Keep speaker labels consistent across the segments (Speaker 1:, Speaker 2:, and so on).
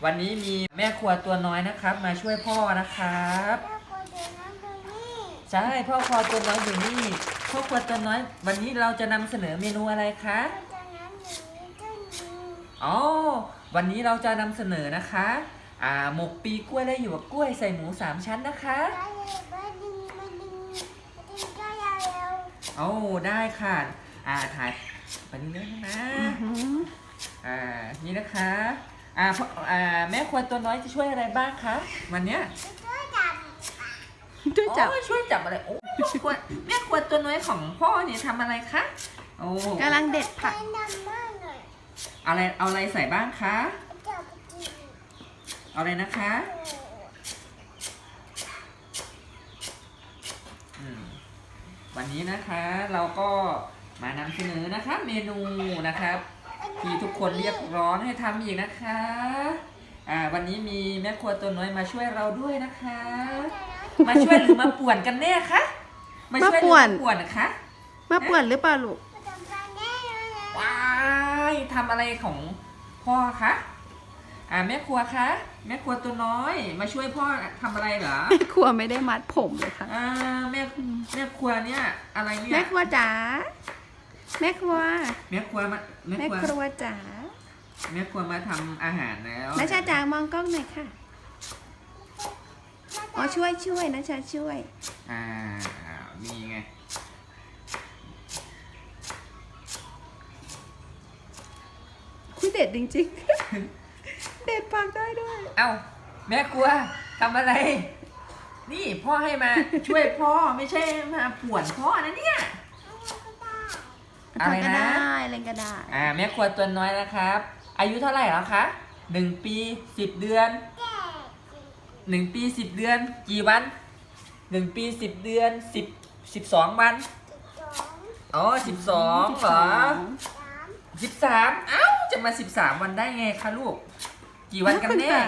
Speaker 1: วันนี้มีแม่ครัวตัวน้อยนะครับมาช่วยพ่อนะครับใช่พ่อครัวตัวน้อยอยู่นี่พ่อครัวตัวน้อยวันนี้เราจะนำเสนอเมนูอะไรคะอ๋อวันนี้เราจะนำเสนอนะคะหมกปีกล้วยและหยวกกล้วยใส่หมู3 ชั้นนะคะโอ้ได้ค่ะถ่ายไปเรื่อยๆนะนี่นะคะแม่ครัวตัวน้อยจะช่วยอะไรบ้างคะวันเนี้ยช่วยจับช่วยจับอะไรโอ้แม่ครัวตัวน้อยของพ่อเนี่ยทำอะไรคะโอ้
Speaker 2: กำลังเด็ดผัก
Speaker 1: เอาอะไรใส่บ้างคะเอาอะไรนะคะวันนี้นะคะเราก็มานำเสนอนะคะเมนูนะครับที่ทุกคนเรียกร้องให้ทำอีกนะคะวันนี้มีแม่ครัวตัวน้อยมาช่วยเราด้วยนะคะมาช่วยหรือมาป่วนกันแน่คะมาช่วยหรือมาป่วนนะคะ
Speaker 2: มาป่วนหรือเปล่าลูก
Speaker 1: ว้ายทำอะไรของพ่อคะแม่ครัวคะแม่ครัวตัวน้อยมาช่วยพ่อทำอะไรเหรอ
Speaker 2: แม่ครัวไม่ได้มัดผมเลยค่ะ
Speaker 1: แม่ครัวเนี่ยอะไรเนี่ย
Speaker 2: แม่ครัวจ๋าแม่ครัวจ๋า
Speaker 1: แม่ครัวมาทำอาหารแล้ว
Speaker 2: นะชาจ๋ามองกล้องหน่อยค่ะอ๋อช่วยนะชาช่วย
Speaker 1: มีไง
Speaker 2: คุยเด็ดจริงๆเด็ดปากได้ด้วย
Speaker 1: แม่ครัวทำอะไรนี่พ่อให้มาช่วยพ่อไม่ใช่มาป่วนพ่อนะเนี่ย
Speaker 2: อะไรนะอะไรก็ได้
Speaker 1: แม่ครัวตัวน้อยนะครับอายุเท่าไหร่แล้วคะ1 ปี10 เดือน1 ปี 10 เดือนกี่วัน1 ปี 10 เดือน12 วัน12เหรอ13จะมา13 วันได้ไงคะลูกกี่วันกันแน่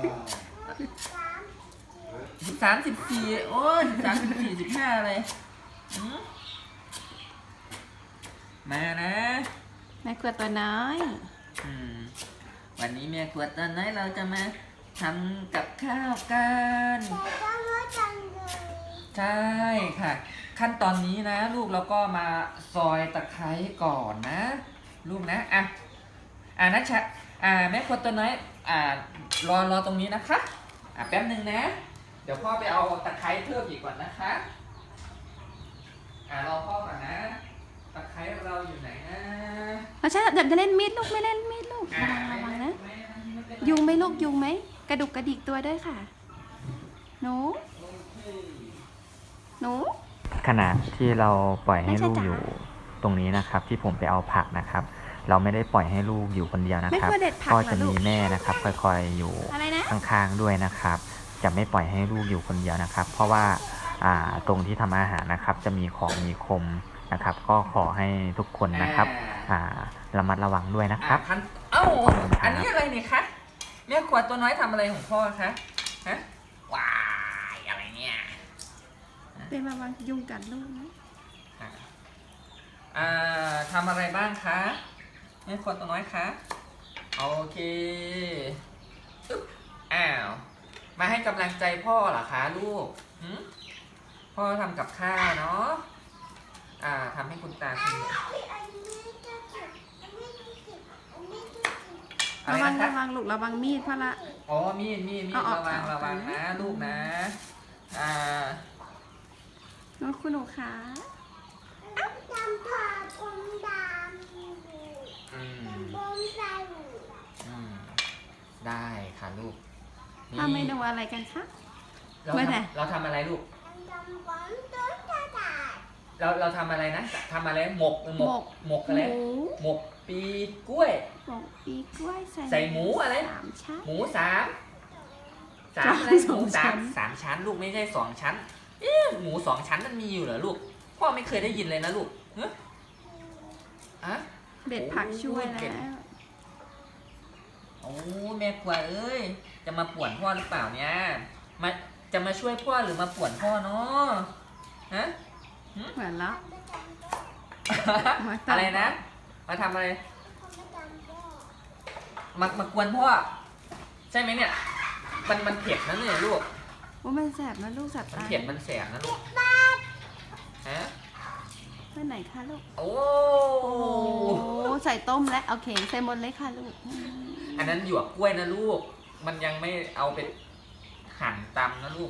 Speaker 1: 13 14โอ้ย13 14 15อะไรมานะ
Speaker 2: แม่ครัวตัวน้อย
Speaker 1: วันนี้แม่ครัวตัวน้อยเราจะมาทำกับข้าวกันใช่ค่ะขั้นตอนนี้นะลูกเราก็มาซอยตะไคร้ก่อนนะลูกนะนัชชาแม่ครัวตัวน้อยรอตรงนี้นะคะแป๊บนึงนะเดี๋ยวพ่อไปเอาตะไคร้เพิ่มอีกก่อนนะคะรอพ่อก่อนนะตะไคร้เราอยู่ไหนนะ
Speaker 2: ใช่เดี๋ยวจะเล่นมีดลูกไม่เล่นมีดลูกระวังนะยุงไหมลูกยุงไหมกระดุกกระดิกตัวด้วยค่ะหนู
Speaker 3: ขณะที่เราปล่อยให้ลูกอยู่ตรงนี้นะครับที่ผมไปเอาผักนะครับเราไม่ได้ปล่อยให้ลูกอยู่คนเดียวนะครับก็จะมีแม่นะครับคอยๆอยู่ข้างๆด้วยนะครับจะไม่ปล่อยให้ลูกอยู่คนเดียวนะครับเพราะว่าตรงที่ทำอาหารนะครับจะมีของมีคมนะครับก็ขอให้ทุกคนนะครับระมัดระวังด้วยนะครับ
Speaker 1: อันนี้อะไรนี่คะแม่ครัวตัวน้อยทำอะไรของพ่อคะฮะว้ายอะไรเนี่ย
Speaker 2: เป็นระวังยุงกัดลูกนะ
Speaker 1: ทำอะไรบ้างคะแม่ครัวตัวน้อยคะโอเคมาให้กำลังใจพ่อเหรอคะลูกพ่อทำกับข้าวเนาะทำให้คุณตาคุณ
Speaker 2: ระวังลูกระวังมีดพ่อละ
Speaker 1: มีดระวังนะลูกนะ
Speaker 2: น้องคุณหนูขา
Speaker 1: ได้ค่ะลูก
Speaker 2: ทำเมนูอะไรกันคะ
Speaker 1: เราทำอะไรลูกเราทำอะไรนะทำอะไรหมกอะไรหมกปีกล้วยใส่หมูอะไรหมูอะไรหมู3 ชั้นลูกไม่ใช่2 ชั้นหมู2 ชั้นมันมีอยู่เหรอลูกพ่อไม่เคยได้ยินเลยนะลูก
Speaker 2: เด็ดผักช่วยแล้ว
Speaker 1: แม่ครัวเอ้ยจะมาป่วนพ่อหรือเปล่าเนี่ยจะมาช่วยพ่อหรือมาป่วนพ่อเนาะ
Speaker 2: เหมือนแล้ว
Speaker 1: อะไรนะมาทำอะไรมากวนพ่อใช่ไหมเนี่ยมันเผ็ดนะเนี่ยลูก
Speaker 2: โอ้มันแสบนะลูกแสบ
Speaker 1: มัน
Speaker 2: ตา
Speaker 1: เผ็ดมันแสบนะลูกฮะ
Speaker 2: ไปไหนคะลูก
Speaker 1: โอ้
Speaker 2: โอ้ใส่ต้มแล้วโอเคใส่หมดเลยค่ะลูก
Speaker 1: อันนั้นหยวกกล้วยนะลูก มันยังไม่เอาไปหั่นตำนะลูก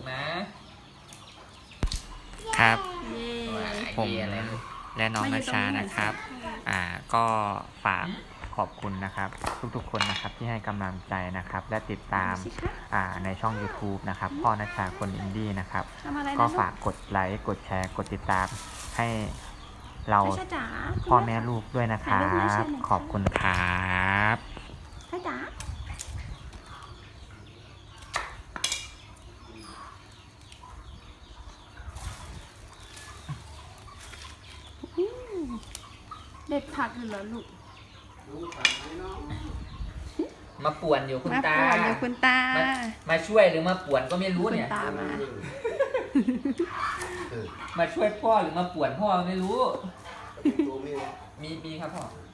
Speaker 1: นะครับ
Speaker 2: เย้
Speaker 3: ผม
Speaker 1: อะไรลูก
Speaker 3: และน้องนาชานะครับ ก็ฝากขอบคุณนะครับ ทุกๆคนนะครับที่ให้กำลังใจนะครับ และติดตาม
Speaker 2: สิคะ
Speaker 3: ในช่อง YouTube นะครับ พ่อนาชาคนอินดี้นะครับ
Speaker 2: ทำอะไรนะ
Speaker 3: ก็
Speaker 2: ลูก
Speaker 3: ฝากกดไลค์กดแชร์กดติดตามให้เรา
Speaker 2: ช้าจ๋า
Speaker 3: พ่อแม่ลูกด้วยนะครับ ขอบคุณครับ
Speaker 2: ช้าจ๋าอืมเด็ดผักอยู่เหรอลูก
Speaker 1: มาป่วนอยู่คุณ
Speaker 2: มา
Speaker 1: ตา
Speaker 2: ป่วนอยู่คุณตา
Speaker 1: มาช่วยหรือมาป่วนก็ไม่รู้
Speaker 2: คุณ
Speaker 1: เนี่ย
Speaker 2: ตามา
Speaker 1: มาช่วยพ่อหรือมาป่วนพ่อไม่รู้
Speaker 4: ตัวมี
Speaker 1: มีครับพ่อ